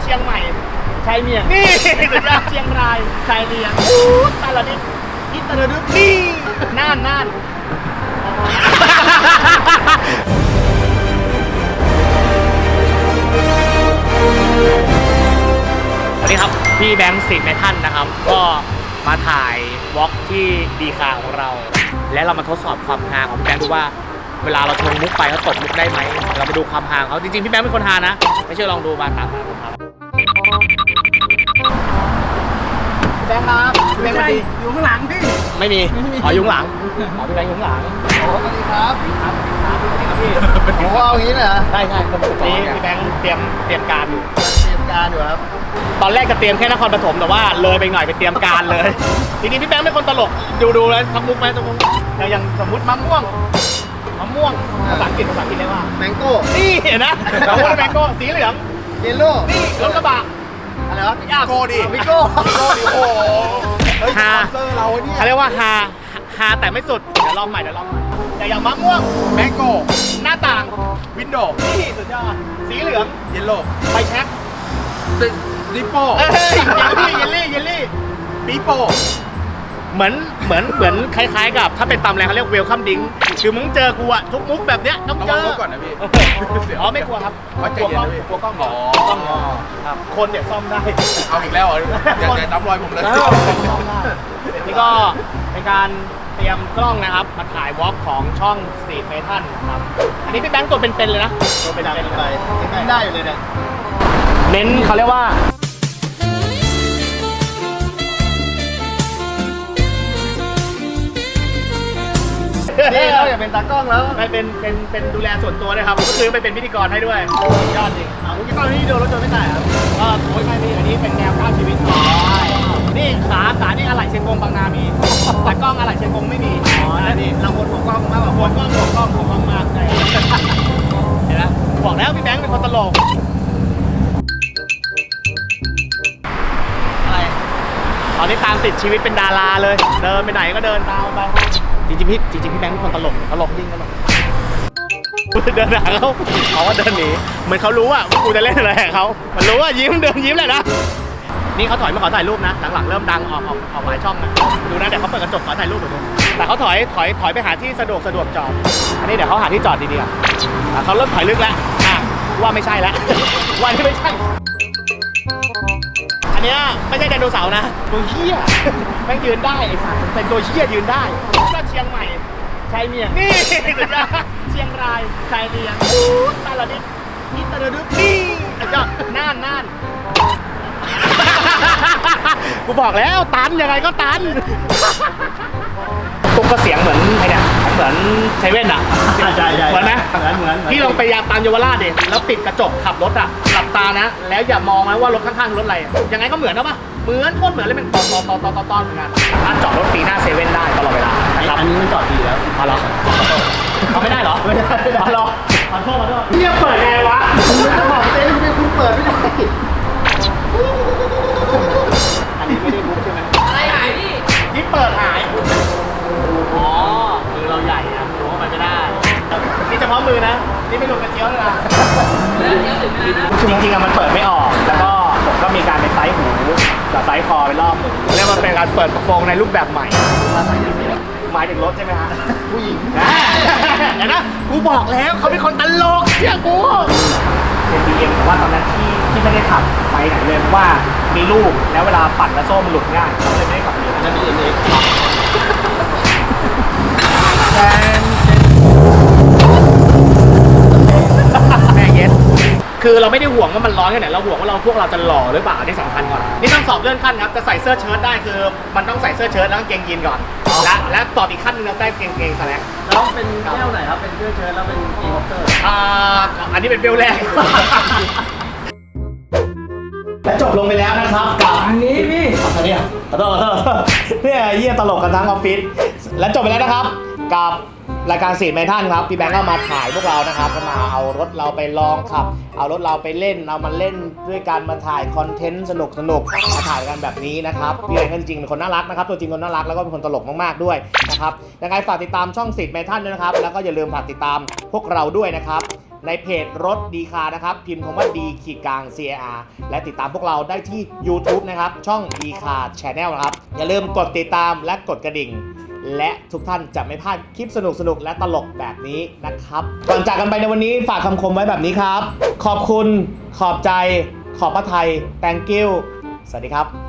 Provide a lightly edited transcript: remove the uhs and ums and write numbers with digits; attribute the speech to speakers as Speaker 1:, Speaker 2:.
Speaker 1: ชียงใหม่ชายเมียงนี่สุดยอดเชียงรายชายเมียงตาละนิดอิตาลีนี่น่านสวัสดีครับพี่แบงค์สิทธิ์ในท่านนะครับก็มาถ่ายวอล์กที่ดีคาของเรา และเรามาทดสอบความฮาของพี่แบงค์ดูว่าเวลาเราชงมุกไปเขาตบมุกได้ไหมเรามาดูความฮาเขาจริงๆพี่แบงค์เป็นคนฮานะไม่เชื่อลองดูมาตามมาครับแบงค์ครับแบงค์มาดีอยู่ข้างหลังพี่ไม่มีขออยู่ข้างหลังขอพี่แบงค์อยู่ข้างหลัง
Speaker 2: โอ้สวัสดีครับ
Speaker 1: ครับพี่
Speaker 2: โอ้เอาอย่างนี้เลยเหรอ
Speaker 1: ใช่นี่พี่แบงค์เตรียมการอยู่
Speaker 2: ครับ
Speaker 1: ตอนแรกจะเตรียมแค่นครปฐมแต่ว่าเลยไปหน่อยไปเตรียมการเลยทีนี้พี่แบงค์เป็นคนตลกดูเลยทำมุกไหมทำมุกอย่างสมมติมะม่วงภาษาอังกฤษเรียกว่า
Speaker 2: แมงโก้
Speaker 1: นี่เห็นนะเราพูดแมงโก้สีเหลือง
Speaker 2: เยลโล่
Speaker 1: นี่รถกระบะ
Speaker 2: อะไรวะ
Speaker 1: ยากโก้ดิ
Speaker 2: วิโก้ดิโอ้
Speaker 1: ฮา
Speaker 2: เซอร์เราเนี่ย
Speaker 1: เขาเรียกว่าฮาแต่ไม่สุดเดี๋ยวลองใหม่อย่างมะม่วง
Speaker 2: แมงโก้
Speaker 1: หน้าต่าง
Speaker 2: วินโดว์
Speaker 1: นี่สุดยอดสีเหลือง
Speaker 2: เยลโล่
Speaker 1: ไฟแช็ก
Speaker 2: ดิโป้
Speaker 1: เยลลี่
Speaker 2: ปีโป้
Speaker 1: เหมือนคล้ายๆกับถ้าเป็นตำแรงเขาเรียกเวลคัมดิ้งคือมึงเจอกูอะทุกมุกแบบเนี้ยต้องเจอ
Speaker 2: ก่อนนะพี่
Speaker 1: อ๋อไม่กลัวครับกลัวกล้องครับคนเนี่ยซ่อมได้
Speaker 2: เอาอีกแล้วอย่าน้ำรอยผมเลย
Speaker 1: นี่ก็เป็นการเตรียมกล้องนะครับมาถ่ายวอล์กของช่องสตรีทเมทัลครับอันนี้พี่แบงค์ตัวเป็นๆเลยนะ
Speaker 2: ตัวเป็นไปยังได้อยู่เลยเนี่ย
Speaker 1: เน้นเขาเรียกว่า
Speaker 2: นี่เราอยากเป็นตากล้องแล้ว
Speaker 1: ไปเป็นดูแลส่วนตัวนะครับก็คือไปเป็นพิธีกรให้ด้วยยอดจริง
Speaker 2: ตอนนี้โดนรถชนไม่ตายครับ
Speaker 1: โอ้ยไม่มีอันนี้เป็นแนวก้าวชีวิตนี่ขานี่อะไรเชียงกงบางนามีแต่กล้องอะไรเชียงกงไม่มี
Speaker 2: นี่เราวนหัวกล้องมากกว่า
Speaker 1: วนกล้องมากใช่เห็นไหมบอกแล้วพี่แบงค์เป็นคนตลกอะไรตอนนี้ตามติดชีวิตเป็นดาราเลยเดินไปไหนก็เดินตามไปจริงพี่แบงค์เป็นคนตลกจริงตลกเดินหาเขาว่าเดินหนีเหมือนเขารู้ว่ากูจะเล่นอะไรกับเขามันรู้ว่าเดินยิ้มเลยนะนี่เขาถอยมาขอถ่ายรูปนะหลังๆเริ่มดังออกหลายช่องนะดูนะเดี๋ยวเขาเปิดกระจกขอถ่ายรูปหน่อยดูแต่เขาถอยไปหาที่สะดวกจอดอันนี้เดี๋ยวเขาหาที่จอดดีๆเขาเริ่มถอยลึกแล้วว่าไม่ใช่แล้วว่านี่ไม่ใช่อันนี้ไม่ใช่ไดโนเสาร์นะตัวเหี้ยแม่งยืนได้ไอ้สัตว์เป็นตัวเหี้ยยืนได้ก็เชียงใหม่ชายเมียงนี่สุดยอดเชียงรายชายเมียงตาละนิดอิตาลีนี่สุดยอดน่านกูบอกแล้วตันยังไงก็ตันตุ๊กก็เสียงเหมือนไอ้เนี่ยเหมือนเซเว่นอ่ะ
Speaker 2: ใช่
Speaker 1: เหมือนไหม
Speaker 2: เหมือน
Speaker 1: พี่ลองไปยามตามเยาวราชดิแล้วปิดกระจกขับรถอ่ะหลับตานะแล้วอย่ามองนะว่ารถข้างๆรถอะไรยังไงก็เหมือนนะปะเหมือนโคตรเหมือนเลยเป็นตอนเหมือนกันถ้าจอดรถฟรีหน้าเซเว่นได้ตลอดเวลานะครับ
Speaker 2: อันนี้มันจอดฟรีแล้ว
Speaker 1: เอาเหรอเอาไม่ได้เหรอ
Speaker 2: ไม่ได้
Speaker 1: เอาเหรอขอโทษพี่จะเปิดไงวะ
Speaker 2: คุณจะบอกเต้นคุณเปิดไม่ได้
Speaker 1: อันนี้ไม่ได้บุ๊กใช่ไหมอะไรหายพี่ที่เปิดหายอ๋อมือเราใหญ่อะรู้ว่ามันไม่ได้นี่เฉพาะมือนะนี่ไม่รวมกระเจียวเลยนะจริงๆอะมันเปิดไม่ออกแล้วก็ผมก็มีการไปไซส์หูกับไซส์คอไปรอบนึงแล้วมันเป็นการเปิดกระโปรงในรูปแบบใหม่หมายถึงรถใช่ไหมฮะ
Speaker 2: ผู้หญิง
Speaker 1: เห็นนะกูบอกแล้วเขาเป็นคนตลกเชื่อกูเป็นบีเอ็มแต่ว่าตอนนั้นที่ไม่ได้ขับไปไหนเลยเพราะว่ามีลูกแล้วเวลาปั่นแล้วโซ่มันหลุดง่ายเขาเลยไม่ได้ขับเรือ
Speaker 2: จะมีเอ็ก
Speaker 1: แม่เย็ดคือเราไม่ได้ห่วงว่ามันร้อนแค่ไหนเราห่วงว่าพวกเราจะหล่อหรือเปล่านี่สำคัญก่อนนี่ต้องสอบเลื่อนขั้นครับจะใส่เสื้อเชิ้ตได้คือมันต้องใส่เสื้อเชิ้ตแล้วกางเกงยีนก่อนและสอบอีกขั้นนึงเราได้เกงสแลก
Speaker 2: แล้วเป็นแก้วไหนครับเป็นเสื้อเชิ้ตแล้วเป็นเกงบ็อกเซอร์
Speaker 1: อันนี้เป็นเบลแรกและจบลงไปแล้วนะครับกับ
Speaker 2: อันนี้พี่
Speaker 1: อันนี้ขอโทษเนี่ยเยี่ยตลกกันทั้งออฟฟิศและจบไปแล้วนะครับกับรายการสตรีทเมทัลครับพี่แบงค์ก็มาถ่ายพวกเรานะครับก็มาเอารถเราไปลองขับเอารถเราไปเล่นเอามาเล่นด้วยการมาถ่ายคอนเทนต์สนุกมาถ่ายกันแบบนี้นะครับพี่แบงค์จริงๆเป็นคนน่ารักนะครับตัวจริงคนน่ารักแล้วก็เป็นคนตลกมากๆด้วยนะครับยังไงฝากติดตามช่องสตรีทเมทัลด้วยนะครับแล้วก็อย่าลืมฝากติดตามพวกเราด้วยนะครับในเพจรถดีคานะครับพิมพ์คำว่าดีขีดกลาง CAR และติดตามพวกเราได้ที่ YouTube นะครับช่องดีคา Channel นะครับอย่าลืมกดติดตามและกดกระดิ่งและทุกท่านจะไม่พลาดคลิปสนุกๆและตลกแบบนี้นะครับก่อนจากกันไปในวันนี้ฝากคำคมไว้แบบนี้ครับขอบคุณขอบใจขอบพระทัย thank you สวัสดีครับ